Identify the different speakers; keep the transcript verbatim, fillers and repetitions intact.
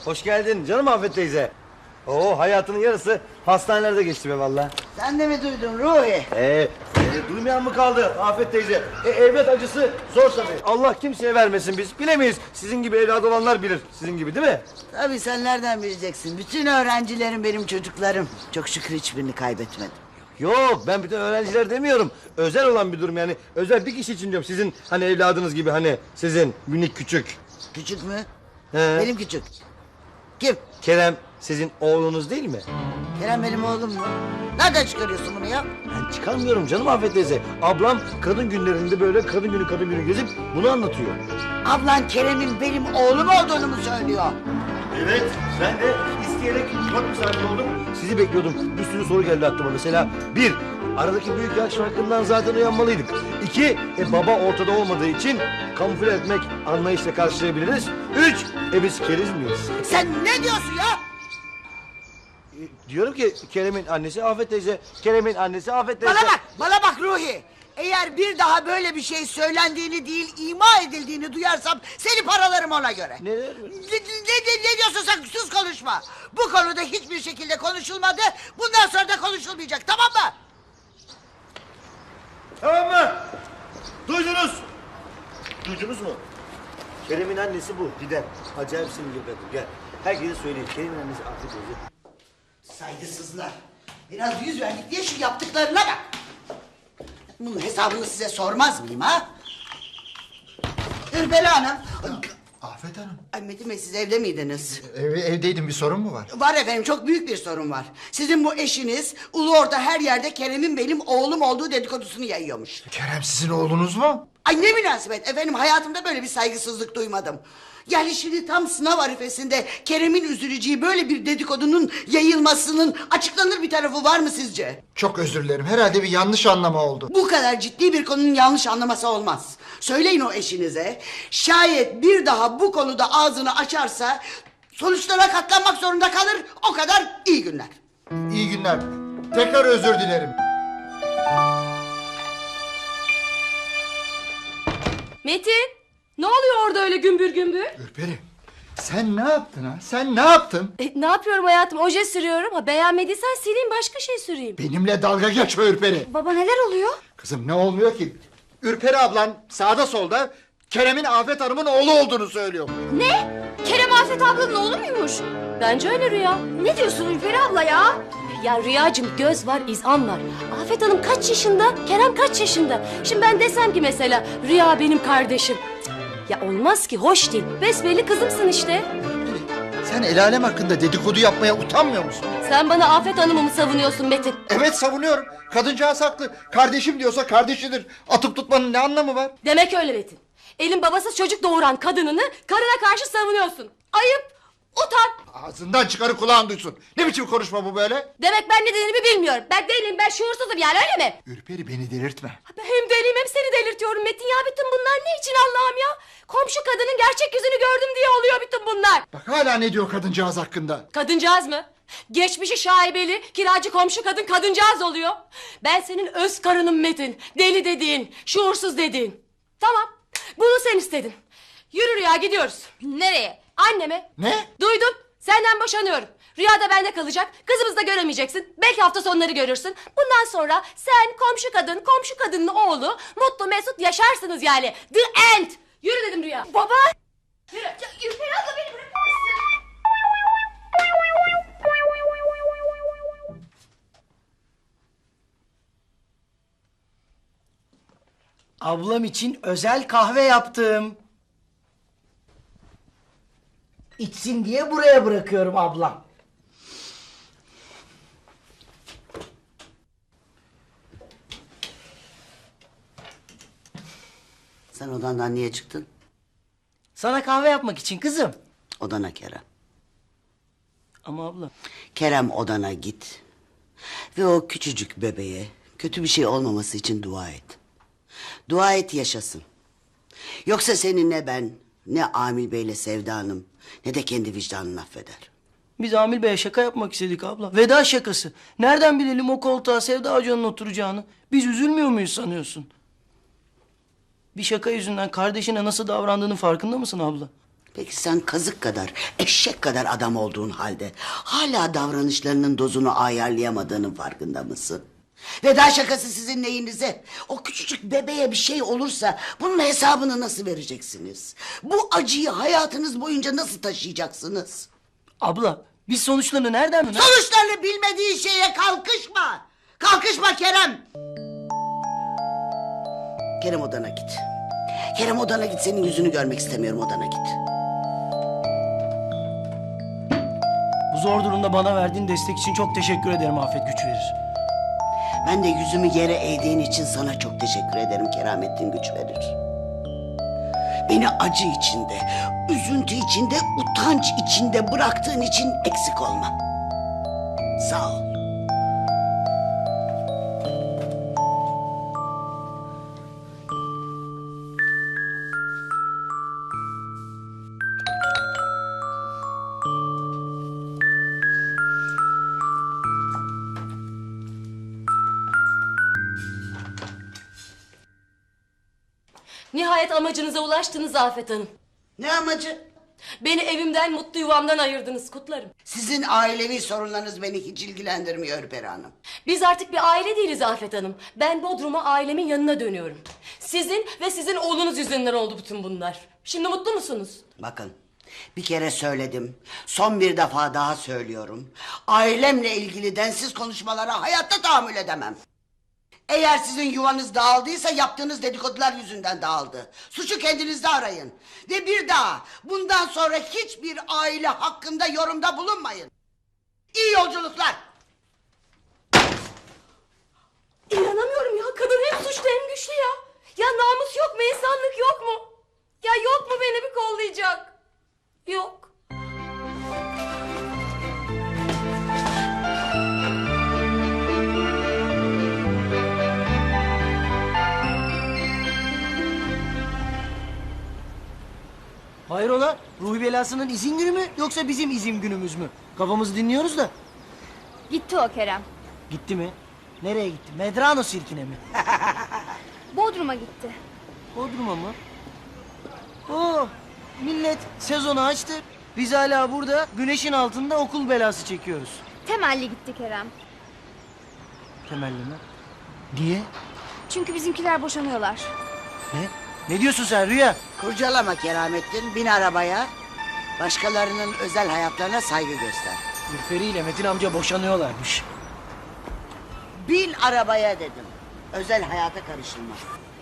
Speaker 1: Hoş geldin canım Afet teyze. Oo, hayatının yarısı hastanelerde geçti be valla.
Speaker 2: Sen de mi duydun Ruhi?
Speaker 1: Ee, e, duymayan mı kaldı Afet teyze? E, evlat acısı zor tabii. Allah kimseye vermesin, biz bilemeyiz. Sizin gibi evladı olanlar bilir. Sizin gibi değil mi?
Speaker 2: Tabii sen nereden bileceksin? Bütün öğrencilerim benim çocuklarım. Çok şükür hiçbirini kaybetmedim.
Speaker 1: Yok, ben bütün öğrenciler demiyorum. Özel olan bir durum yani. Özel bir kişi için diyorum. Sizin hani evladınız gibi, hani sizin minik küçük.
Speaker 2: Küçük mü?
Speaker 1: He.
Speaker 2: Benim küçük. Kim?
Speaker 1: Kerem sizin oğlunuz değil mi?
Speaker 2: Kerem benim oğlum mu? Nereden çıkarıyorsun bunu ya?
Speaker 1: Ben çıkarmıyorum canım Afet teyze. Ablam kadın günlerinde böyle kadın günü kadın günü gezip bunu anlatıyor.
Speaker 2: Ablan Kerem'in benim oğlum olduğunu mu söylüyor?
Speaker 1: Evet, ben de isteyerek çok misafir oldum. Sizi bekliyordum. Bir sürü soru geldi aklıma. Mesela bir, aradaki büyük yaş farkından zaten uyanmalıydık. İki, e, baba ortada olmadığı için kamufle etmek anlayışla karşılayabiliriz. Üç, e biz keriz miyiz?
Speaker 2: Sen ne diyorsun ya?
Speaker 1: E, diyorum ki Kerem'in annesi Afet teyze, Kerem'in annesi Afet teyze.
Speaker 2: Bana bak, bana bak Ruhi. Eğer bir daha böyle bir şey söylendiğini değil, ima edildiğini duyarsam seni paralarım ona göre.
Speaker 1: Ne?
Speaker 2: Ne, ne, ne, ne diyorsun sen? Sus, konuşma. Bu konuda hiçbir şekilde konuşulmadı. Bundan sonra da konuşulmayacak, tamam mı?
Speaker 1: Tamam mı? Duydunuz. Duydunuz mu? Kerem'in annesi bu. Gidem. Acayip sinirli bir kadın. Gel. Herkese söyleyeyim. Kerem'in annesi Afet teyze.
Speaker 2: Saygısızlar. Biraz yüz verdik diye şu yaptıklarına bak. Bunun hesabını size sormaz mıyım ha? Ürperi Hanım.
Speaker 3: Afet Hanım.
Speaker 2: Ay Metin Bey, siz evde miydiniz?
Speaker 3: Ev, evdeydim, bir sorun mu var?
Speaker 2: Var efendim, çok büyük bir sorun var. Sizin bu eşiniz ulu orta her yerde Kerem'in benim oğlum olduğu dedikodusunu yayıyormuş.
Speaker 3: Kerem sizin oğlunuz mu?
Speaker 2: Ay ne münasebet efendim, hayatımda böyle bir saygısızlık duymadım. Yani şimdi tam sınav arifesinde Kerem'in üzüleceği böyle bir dedikodunun yayılmasının açıklanır bir tarafı var mı sizce?
Speaker 3: Çok özür dilerim, herhalde bir yanlış anlama oldu.
Speaker 2: Bu kadar ciddi bir konunun yanlış anlaması olmaz. Söyleyin o eşinize, şayet bir daha bu konuda ağzını açarsa sonuçlara katlanmak zorunda kalır, o kadar. İyi günler.
Speaker 3: İyi günler. Tekrar özür dilerim.
Speaker 4: Metin, ne oluyor orada öyle gümbür gümbür?
Speaker 3: Ürperi, sen ne yaptın ha? Sen ne yaptın?
Speaker 4: E, ne yapıyorum hayatım? Oje sürüyorum. Ha, beğenmediysen sileyim, başka şey süreyim.
Speaker 3: Benimle dalga geçme Ürperi.
Speaker 4: Baba, neler oluyor?
Speaker 3: Kızım, ne olmuyor ki? Ürperi ablan sağda solda Kerem'in Afet Hanım'ın oğlu olduğunu söylüyor.
Speaker 4: Ne? Kerem Afet ablanın oğlu muymuş? Bence öyle Rüya. Ne diyorsun Ülperi abla ya? Ya Rüyacığım, göz var, izan var. Afet Hanım kaç yaşında? Kerem kaç yaşında? Şimdi ben desem ki mesela Rüya benim kardeşim. Cık, ya olmaz ki, hoş değil. Besbelli kızımsın işte.
Speaker 3: Sen el alem hakkında dedikodu yapmaya utanmıyor musun?
Speaker 4: Sen bana Afet Hanım'ı mı savunuyorsun Metin?
Speaker 3: Evet, savunuyorum. Kadıncağız haklı. Kardeşim diyorsa kardeşidir. Atıp tutmanın ne anlamı var?
Speaker 4: Demek öyle Metin. Elin babasız çocuk doğuran kadınını karına karşı savunuyorsun. Ayıp, utan.
Speaker 3: Ağzından çıkarı kulağın duysun. Ne biçim konuşma bu böyle?
Speaker 4: Demek ben ne dediğimi bilmiyorum. Ben değilim, ben şuursuzum yani, öyle mi?
Speaker 3: Ürperi, beni delirtme.
Speaker 4: Ben hem deliyim hem seni delirtiyorum Metin ya. Bütün bunlar ne için Allah'ım ya? Komşu kadının gerçek yüzünü gördüm diye oluyor bütün bunlar.
Speaker 3: Bak hala ne diyor kadıncağız hakkında.
Speaker 4: Kadıncağız mı? Geçmişi şaibeli, kiracı komşu kadın kadıncağız oluyor. Ben senin öz karınım Metin. Deli dediğin, şuursuz dediğin. Tamam, bunu sen istedin. Yürü Rüya, gidiyoruz. Nereye? Anneme.
Speaker 3: Ne?
Speaker 4: Duydun, senden boşanıyorum. Rüya da bende kalacak. Kızımızı da göremeyeceksin. Belki hafta sonları görürsün. Bundan sonra sen, komşu kadın, komşu kadının oğlu mutlu mesut yaşarsınız yani. The end. Yürü dedim Rüya. Baba. Yürü. Ya, Ürperi abla, beni bırakır mısın?
Speaker 5: Ablam için özel kahve yaptım. İçsin diye buraya bırakıyorum ablam.
Speaker 2: Sen odandan niye çıktın?
Speaker 5: Sana kahve yapmak için kızım.
Speaker 2: Odana Kerem.
Speaker 5: Ama abla.
Speaker 2: Kerem, odana git. Ve o küçücük bebeğe kötü bir şey olmaması için dua et. Dua et, yaşasın. Yoksa seni ne ben, ne Amil Bey'le Sevda Hanım, ne de kendi vicdanın affeder.
Speaker 5: Biz Amil Bey'e şaka yapmak istedik abla. Veda şakası. Nereden bilelim o koltuğa Sevda Hoca'nın oturacağını? Biz üzülmüyor muyuz sanıyorsun? Bir şaka yüzünden kardeşine nasıl davrandığının farkında mısın abla?
Speaker 2: Peki sen kazık kadar, eşek kadar adam olduğun halde hala davranışlarının dozunu ayarlayamadığının farkında mısın? Veda şakası sizin neyinize? O küçücük bebeğe bir şey olursa bunun hesabını nasıl vereceksiniz? Bu acıyı hayatınız boyunca nasıl taşıyacaksınız?
Speaker 5: Abla biz sonuçlarını nereden mi?
Speaker 2: Sonuçlarını bilmediğin şeye kalkışma. Kalkışma Kerem. Kerem odana git. Kerem odana git, senin yüzünü görmek istemiyorum, odana git.
Speaker 5: Bu zor durumda bana verdiğin destek için çok teşekkür ederim Afet, güç verir.
Speaker 2: Ben de yüzümü yere eğdiğin için sana çok teşekkür ederim, keramettin güç verir. Beni acı içinde, üzüntü içinde, utanç içinde bıraktığın için eksik olma. Sağ ol.
Speaker 4: Nihayet amacınıza ulaştınız Afet Hanım.
Speaker 2: Ne amacı?
Speaker 4: Beni evimden, mutlu yuvamdan ayırdınız, kutlarım.
Speaker 2: Sizin ailevi sorunlarınız beni hiç ilgilendirmiyor Ürperi Hanım.
Speaker 4: Biz artık bir aile değiliz Afet Hanım. Ben Bodrum'a ailemin yanına dönüyorum. Sizin ve sizin oğlunuz yüzünden oldu bütün bunlar. Şimdi mutlu musunuz?
Speaker 2: Bakın, bir kere söyledim, son bir defa daha söylüyorum. Ailemle ilgili densiz konuşmalara hayatta tahammül edemem. Eğer sizin yuvanız dağıldıysa yaptığınız dedikodular yüzünden dağıldı. Suçu kendinizde arayın. Ve bir daha bundan sonra hiçbir aile hakkında yorumda bulunmayın. İyi yolculuklar.
Speaker 4: İnanamıyorum ya, kadın hem suçlu hem güçlü ya. Ya namus yok mu, insanlık yok mu? Ya yok mu beni bir kollayacak? Yok.
Speaker 5: Hayrola? Ruhi belasının izin günü mü yoksa bizim izin günümüz mü? Kafamızı dinliyoruz da.
Speaker 6: Gitti o Kerem.
Speaker 5: Gitti mi? Nereye gitti? Medrano sirkine mi?
Speaker 6: Bodrum'a gitti.
Speaker 5: Bodrum'a mı? Oo, millet sezonu açtı. Biz hala burada güneşin altında okul belası çekiyoruz.
Speaker 6: Temelli gitti Kerem.
Speaker 5: Temelli mi? Niye?
Speaker 6: Çünkü bizimkiler boşanıyorlar.
Speaker 5: Ne? Ne diyorsun sen Rüya?
Speaker 2: Kurcalama Keramettin, bin arabaya. Başkalarının özel hayatlarına saygı göster.
Speaker 5: Ürperi ile Metin amca boşanıyorlarmış.
Speaker 2: Bin arabaya dedim. Özel hayata karışılmaz.